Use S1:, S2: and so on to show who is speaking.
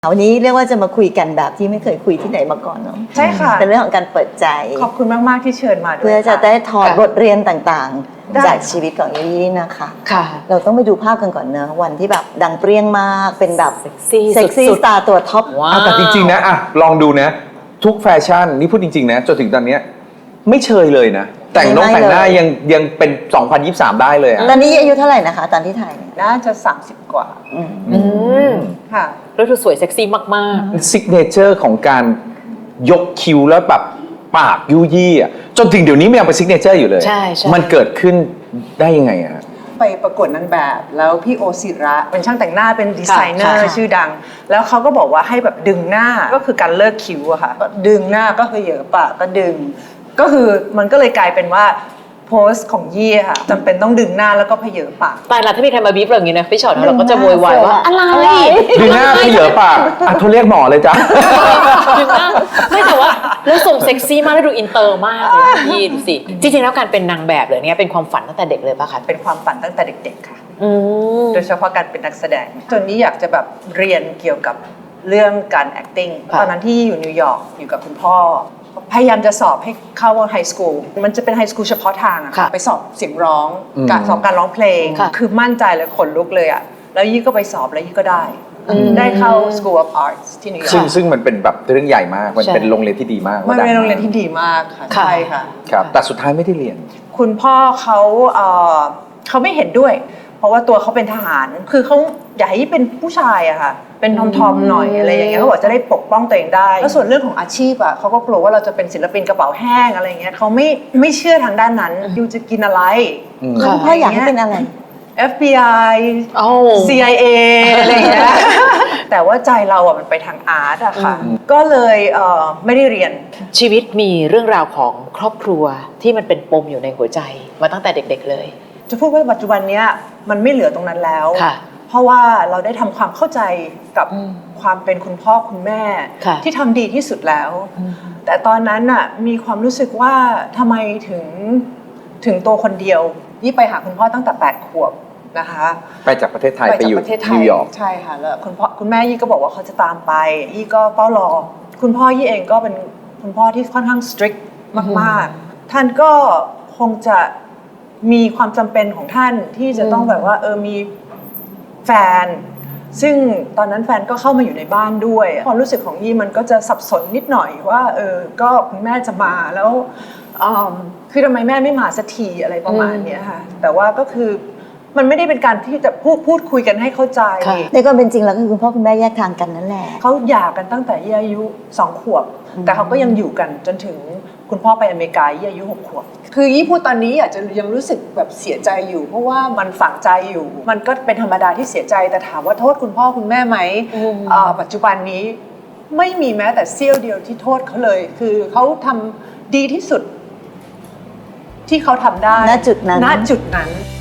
S1: วันนี้เรียกว่าจะมาคุยกันแบบที่ไม่เคยคุยที่ไหนมาก่อนเนาะ
S2: ใช่ค่ะ
S1: เป็นเรื่องของการเปิดใจ
S2: ขอบคุณมากๆที่เชิญมาด้วย
S1: เพื่อจะได้ถอดบทเรียนต่างๆจากชีวิตของยี่นะคะ
S3: ค่ะ
S1: เราต้องไปดูภาพกันก่อนเนอะวันที่แบบดังเปรี้ยงมากเป็นแบบเซ็กซี่
S3: สุด
S1: สตาร์ตัวท็อป
S4: แต่จริงๆนะลองดูนะทุกแฟชั่นนี่พูดจริงๆนะจนถึงตอนนี้ไม่เชยเลยนะแต่งหน้ายังเป็น 2023 ได้เลยอะ
S1: ตอนนี้อายุเท่าไหร่นะคะตอนที่ถ่ายเนี่ย
S2: น่าจะ30 กว่าค่ะ
S3: แล้วเธอสวยเซ็กซี่มาก
S4: ซิกเนเจอร์ของการยกคิ้วแล้วแบบปากยุยี่อ่ะจนถึงเดี๋ยวนี้มันยังเป็นซิกเนเจอร์อยู่เลย
S3: ใช่
S4: มันเกิดขึ้นได้ยังไงอะ
S2: ไปประกวดนางแบบแล้วพี่โอศิระเป็นช่างแต่งหน้าเป็นดีไซเนอร์ชื่อดังแล้วเขาก็บอกว่าให้แบบดึงหน้าก็คือการเลิกคิ้วอะค่ะก็ดึงหน้าก็คือเหยอะปากก็ดึงก็คือมันก็เลยกลายเป็นว่าโพสต์ของยี่ค่ะจำเป็นต้องดึงหน้าแล้วก็เพเยอปาก
S3: ๆตายละถ้ามีใครมาบีบเราอย่างนี้นะพี่ชอตเราก็จะโวยวายว่าอะไร
S4: ดึงหน้าพี่เหลือปากโทรเรียกหมอเลยจ้ะ
S3: ดึงหน้าไม่แต่ว่าแล้วส่งเซ็กซี่มากแล้วดูอินเตอร์มากเลยพี่ดูสิจริงๆแล้วการเป็นนางแบบเลยเนี่ยเป็นความฝันตั้งแต่เด็กเลยป่ะคะ
S2: เป็นความฝันตั้งแต่เด็กๆค่ะโดยเฉพาะการเป็นนักแสดงจนนี้อยากจะแบบเรียนเกี่ยวกับเรื่องการ acting ตอนนั้นที่อยู่นิวยอร์กอยู่กับคุณพ่อพยายามจะสอบให้เข้าไฮสคูลมันจะเป็นไฮสคูลเฉพาะทางอะค่ะไปสอบเสียงร้องการสอบการร้องเพลงคือมั่นใจเลยขนลุกเลยอะแล้วยี่ก็ไปสอบแล้วยี่ก็ได้เข้า School of Arts ที่นิวยอร์ก
S4: ซึ่งมันเป็นแบบเรื่องใหญ่มากมันเป็นโรงเรียนที่ดีมาก
S2: มันเป็นโรงเรียนที่ดีมากค่ะใช่ค่ะ
S4: ครับแต่สุดท้ายไม่ได้เรียน
S2: คุณพ่อเขาไม่เห็นด้วยเพราะว่าตัวเขาเป็นทหารคือเขาอยากให้เป็นผู้ชายอะค่ะเป็นทอมๆหน่อยอะไรอย่างเงี้ยเขาบอกจะได้ปกป้องตัวเองได้แล้วส่วนเรื่องของอาชีพอะเขาก็กลัวว่าเราจะเป็นศิลปินกระเป๋าแห้งอะไรอย่างเงี้ยเขาไม่เชื่อทางด้านนั้นยูจะกินอะไร
S1: คุณพ่ออยากให้เป็นอะไร
S2: FBI CIA อะไรอย่างเงี้ยแต่ว่าใจเราอะมันไปทางอาร์ตอะค่ะก็เลยไม่ได้เรียน
S3: ชีวิตมีเรื่องราวของครอบครัวที่มันเป็นปมอยู่ในหัวใจมาตั้งแต่เด็กๆเลย
S2: จะพูดว่าปัจจุบันเนี้ยมันไม่เหลือตรงนั้นแล้วเพราะว่าเราได้ทำความเข้าใจกับความเป็นคุณพ่อคุณแม่ที่ทำดีที่สุดแล้วแต่ตอนนั้นน่ะมีความรู้สึกว่าทำไมถึงตัวคนเดียวยี่ไปหาคุณพ่อตั้งแต่8 ขวบนะคะ
S4: ไปจากประเทศไทยไปอยู่นิวยอร์ก
S2: ใช่ค่ะแล้วคุณแม่ยี่ก็บอกว่าเขาจะตามไปยี่ก็เฝ้ารอคุณพ่อยี่เองก็เป็นคุณพ่อที่ค่อนข้าง strict มากๆท่านก็คงจะมีความจำเป็นของท่านที่จะต้องแบบว่ามีแฟนซึ่งตอนนั้นแฟนก็เข้ามาอยู่ในบ้านด้วยความรู้สึกของยี่มันก็จะสับสนนิดหน่อยว่าก็คุณแม่จะมาแล้วคือทำไมแม่ไม่มาสักทีอะไรประมาณนี้ค่ะแต่ว่าก็คือมันไม่ได้เป็นการที่จะพูดคุยกันให้เข้าใจ
S1: ในความเป็นจริงแล้วก็คือคุณพ่อคุณแม่แยกทางกันนั่นแหละ
S2: เขาหย่ากันตั้งแต่ยี่อายุ2 ขวบแต่เขาก็ยังอยู่กันจนถึงคุณพ่อไปอเมริกายี่อายุ6 ขวบคือยี่พูดตอนนี้อาจจะยังรู้สึกแบบเสียใจอยู่เพราะว่ามันฝังใจอยู่มันก็เป็นธรรมดาที่เสียใจแต่ถามว่าโทษคุณพ่อคุณแม่ไหมปัจจุบันนี้ไม่มีแม้แต่เสี้ยวเดียวที่โทษเขาเลยคือเขาทำดีที่สุดที่เขาทำได้
S1: ณจุดนั้น